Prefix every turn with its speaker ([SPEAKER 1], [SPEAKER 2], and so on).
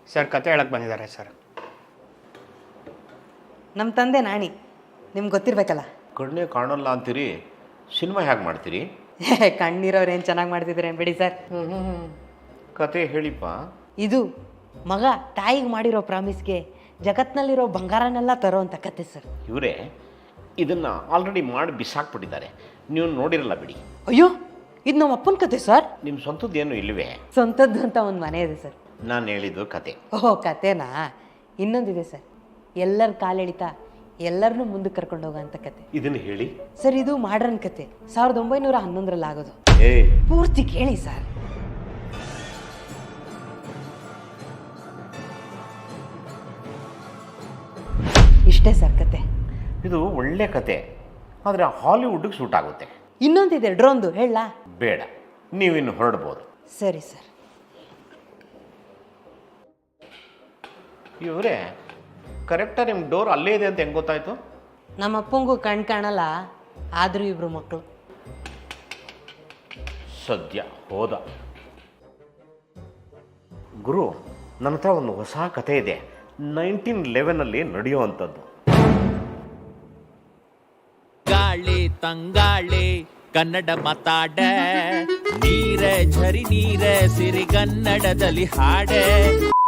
[SPEAKER 1] Sir ಕತೆ ಹೇಳಕ್ಕೆ ಬಂದಿದ್ದಾರೆ ಸರ್.
[SPEAKER 2] ನಮ್ಮ ತಂದೆ ನಾಣಿ, ನಿಮ್ಗೆ ಗೊತ್ತಿರ್ಬೇಕಲ್ಲ.
[SPEAKER 3] ಕಣ್ಣೇ ಕಾಣಲ್ಲ ಅಂತೀರಿ, ಸಿನಿಮಾ ಹೇಗೆ ಮಾಡ್ತೀರಿ?
[SPEAKER 2] ಕಣ್ಣಿರೋರು ಏನು ಚೆನ್ನಾಗಿ ಮಾಡ್ತಿದ್ದೀರೇನು ಬಿಡಿ ಸರ್.
[SPEAKER 3] ಕತೆ ಹೇಳಿಪ್ಪ.
[SPEAKER 2] ಇದು ಮಗ ತಾಯಿಗೆ ಮಾಡಿರೋ ಪ್ರಾಮಿಸ್ಗೆ ಜಗತ್ನಲ್ಲಿರೋ ಬಂಗಾರನೆಲ್ಲ ತರೋ ಅಂತ ಕತೆ ಸರ್.
[SPEAKER 3] ಇವರೇ ಇದನ್ನು ಆಲ್ರೆಡಿ ಮಾಡಿ ಬಿಸಾಕ್ಬಿಟ್ಟಿದ್ದಾರೆ, ನೀವು ನೋಡಿರಲ್ಲ ಬಿಡಿ.
[SPEAKER 2] ಅಯ್ಯೋ, ಇದು ನಮ್ಮ ಅಪ್ಪನ ಕತೆ ಸರ್.
[SPEAKER 3] ನಿಮ್ಮ ಸ್ವಂತದ್ದೇನು ಇಲ್ಲವೇ?
[SPEAKER 2] ಸ್ವಂತದ್ದು ಅಂತ ಒಂದು ಮನೆ ಇದೆ ಸರ್.
[SPEAKER 3] ನಾನು ಹೇಳಿದ್ದು ಕತೆ.
[SPEAKER 2] ಓಹೋ, ಕತೆನಾ? ಇನ್ನೊಂದಿದೆ ಸರ್, ಎಲ್ಲರ ಕಾಲೆಳಿತಾ ಎಲ್ಲರನ್ನೂ ಮುಂದಕ್ಕೆ ಕರ್ಕೊಂಡು ಹೋಗೋ ಅಂತ ಕತೆ.
[SPEAKER 3] ಇದನ್ನು ಹೇಳಿ
[SPEAKER 2] ಸರ್. ಇದು ಮಾಡ್ರನ್ ಕತೆ, 1911ರಲ್ಲಿ ಆಗೋದು.
[SPEAKER 3] ಏ
[SPEAKER 2] ಪೂರ್ತಿ ಕೇಳಿ ಸರ್. ಇಷ್ಟೇ ಸರ್ ಕತೆ.
[SPEAKER 3] ಇದು ಒಳ್ಳೆ ಕತೆ, ಆದರೆ ಹಾಲಿವುಡ್ಗೆ ಸೂಟ್ ಆಗುತ್ತೆ.
[SPEAKER 2] ಇನ್ನೊಂದಿದೆ ಡ್ರೋನ್ದು, ಹೇಳಲಾ?
[SPEAKER 3] ಬೇಡ, ನೀವಿನ್ನು ಹೊರಡ್ಬೋದು.
[SPEAKER 2] ಸರಿ ಸರ್.
[SPEAKER 3] ಇವರೇ ಕರೆಕ್ಟಾಗಿ ನಿಮ್ಮ ಡೋರ್ ಅಲ್ಲೇ ಇದೆ ಅಂತ ಹೆಂಗೆ ಗೊತ್ತಾಯ್ತು?
[SPEAKER 2] ನಮ್ಮ ಅಪ್ಪಂಗೂ ಕಣ್ ಕಾಣಲ್ಲ, ಆದರೂ ಇಬ್ರು ಮಕ್ಕಳು.
[SPEAKER 3] ಸದ್ಯ ಹೋದ. ಗುರು, ನನ್ನ ಹತ್ರ ಒಂದು ಹೊಸ ಕತೆ ಇದೆ, 1911 ನಡೆಯೋ ಅಂಥದ್ದು.
[SPEAKER 4] ಗಾಳಿ ತಂಗಾಳಿ ಕನ್ನಡ ಮಾತಾಡ, ನೀರ ಝರಿ ನೀರ ಸಿರಿಗನ್ನಡದಲ್ಲಿ ಹಾಡೆ.